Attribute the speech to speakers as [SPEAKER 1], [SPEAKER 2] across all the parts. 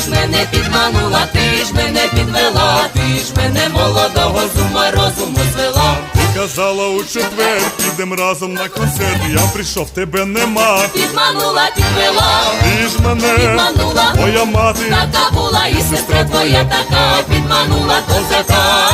[SPEAKER 1] ж мене підманула, ти ж мене підвела, ти ж мене молодого з ума розуму звела.
[SPEAKER 2] Ти казала у четвер, підем разом на концерт, я прийшов, тебе нема.
[SPEAKER 1] Підманула, підвела,
[SPEAKER 2] Ти ж мене
[SPEAKER 1] підманула,
[SPEAKER 2] моя мати,
[SPEAKER 1] така була і сестра твоя така, підманула козака.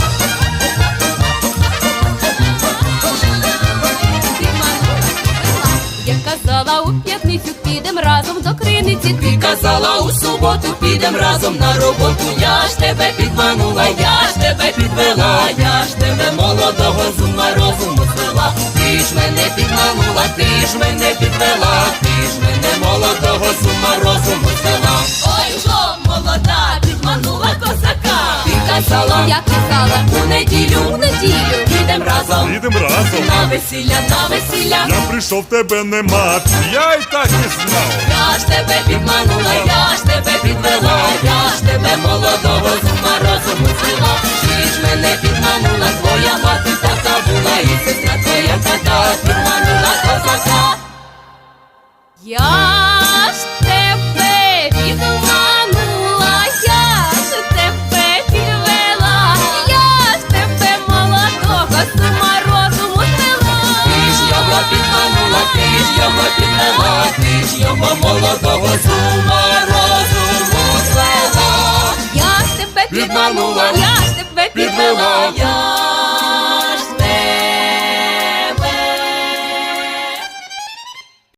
[SPEAKER 3] Я казала, у п'ятницю підем разом до криниці.
[SPEAKER 1] Ти казала, у суботу підем разом на роботу. Я ж тебе підманула, я ж тебе підвела, я ж тебе молодого з ума розуму звела. Ти ж мене підманула, ти ж мене підвела, ти ж мене молодого з ума розуму звела. Ой, жо, молода, підманула козака. Ти казала,
[SPEAKER 3] Я казала,
[SPEAKER 1] у неділю підем разом на весілля, на весілля.
[SPEAKER 2] я прийшов, тебе нема. Я й так і знав.
[SPEAKER 1] Я ж тебе підманула, я ж тебе підвела, я ж тебе молодого з ума розуму звела. Ти ж мене підманула, твоя мати така була, і сестра твоя така, підманула козака.
[SPEAKER 3] я ж тебе підманула, я ж тебе підвела, я ж тебе молодого з ума розуму звела.
[SPEAKER 1] Ти ж його підманула, ти ж його підвела, ти ж його молодого з ума розуму звела.
[SPEAKER 3] Я ж тебе
[SPEAKER 1] Підманула,
[SPEAKER 3] я ж тебе
[SPEAKER 1] підвела, я